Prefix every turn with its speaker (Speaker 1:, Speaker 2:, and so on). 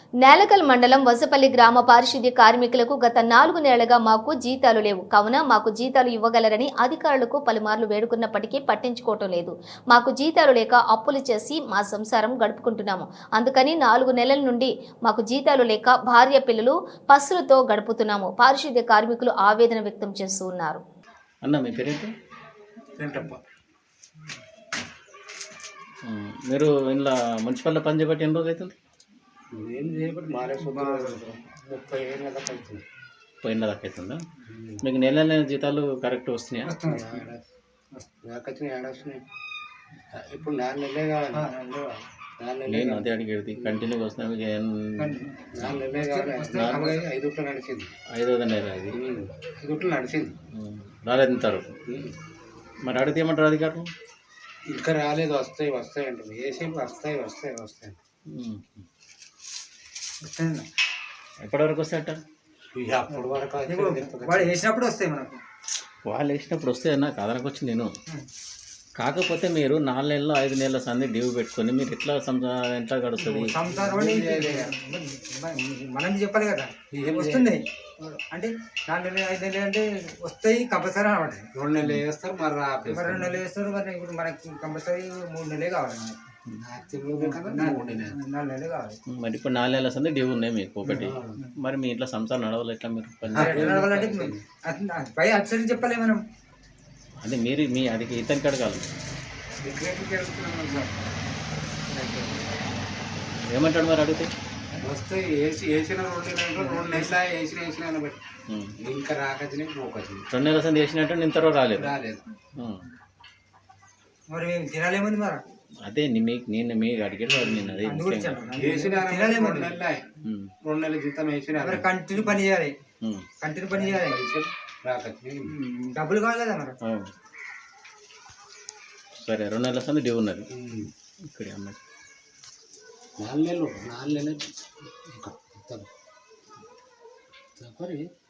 Speaker 1: నేలకల్ మండలం వసపల్లి గ్రామ పారిశుద్ధ్య కార్మికులకు గత 4 నెలలుగా మాకు జీతాలు లేవు కావున మాకు జీతాలు ఇవ్వగలరని అధికారులకు పలుమార్లు వేడుకున్నప్పటికీ పట్టించుకోవటం లేదు. మాకు జీతాలు లేక అప్పులు చేసి మా సంసారం గడుపుకుంటున్నాము. అందుకని 4 నెలల నుండి మాకు జీతాలు లేక భార్య పిల్లలు పస్సులతో గడుపుతున్నాము. పారిశుద్ధ్య కార్మికులు ఆవేదన వ్యక్తం చేస్తూ ఉన్నారు.
Speaker 2: అన్న మీ పేరేంటి? మీరు ఇలా మున్సిపల్లో పని చేయబట్టి ఎన్ని రోజులు అవుతుంది?
Speaker 3: ఏం చేయబట్టి మారే 30 ఏళ్ళ దాకా అవుతుంది.
Speaker 2: పోయిన దాకా అవుతుందా? మీకు నెల నెల జీతాలు కరెక్ట్ వస్తున్నాయా?
Speaker 3: నాకొచ్చినాయి ఏడొస్తున్నాయి. ఇప్పుడు 4 నెలలే కావాలి. 4 నెలలే
Speaker 2: నేను అదే అడిగేది కంటిన్యూగా వస్తున్నాయి. మీకు
Speaker 3: 4 నెలలే కావాలి. 5 నడిచింది.
Speaker 2: 5వ నెల ఇది
Speaker 3: 5 నడిచింది.
Speaker 2: రాలేదంటారు. మరి అడిగితే ఏమంటారు అధికారులు?
Speaker 3: ఇంకా రాలేదు. వస్తాయి అంటారు. ఏసేపు వస్తాయి.
Speaker 2: ఎప్పటివరకు వస్తాయి అంటారు?
Speaker 3: అప్పటి వరకు
Speaker 4: వాడు వేసినప్పుడు వస్తాయి. మనకు
Speaker 2: వాళ్ళు వేసినప్పుడు వస్తే నాకు అదనకు వచ్చి నేను కాకపోతే మీరు 4 నెలలు 5 నెలల సంది డ్యూ పెట్టుకొని మీరు ఎట్లా గడుస్తుంది?
Speaker 4: మనం చెప్పాలి కదా. వస్తుంది అంటే 4 నెలలు 5 నెలలు అంటే వస్తాయి కంపల్సరీ అనమాట.
Speaker 3: 2 నెలలు వేస్తారు. మరి
Speaker 4: 2 నెలలు వేస్తారు. మరి ఇప్పుడు మనకి కంపల్సరీ 3 నెలలే కావాలి. 4 నెలలు కావాలి.
Speaker 2: మరి ఇప్పుడు 4 నెలల సంది డ్యూ ఉన్నాయి మీకు ఒకటి. మరి మీ ఇంట్లో సంసారం నడవాలి ఎట్లా? మీరు
Speaker 4: నడవాలంటే పై అక్షరం చెప్పాలి మనం.
Speaker 2: అదే మీరు మీ అది ఇతనికి అడగాలి. ఏమంటాడు మరి అడిగితే?
Speaker 3: వస్తాయి. వేసిన 2 నెలలు వేసిన బట్టి ఇంకా రాకొచ్చినాయి పోకొచ్చినాయి.
Speaker 2: 2 నెలల సంది వేసినట్టు నేను తర్వాత రాలేదు.
Speaker 4: మరి మేము తినాలేమంది మరి.
Speaker 2: అదే నేను మీకు అడిగాడు మరి నేను అదే
Speaker 3: 2 నెలల జీతం వేసిన
Speaker 4: కంటిన్యూ పని చేయాలి. డబ్బులు కావాలి కదా మరి.
Speaker 2: సరే 2 నెలల సంది డ్యూ ఉన్నది ఇక్కడ అమ్మాయి.
Speaker 3: 4 నెలలు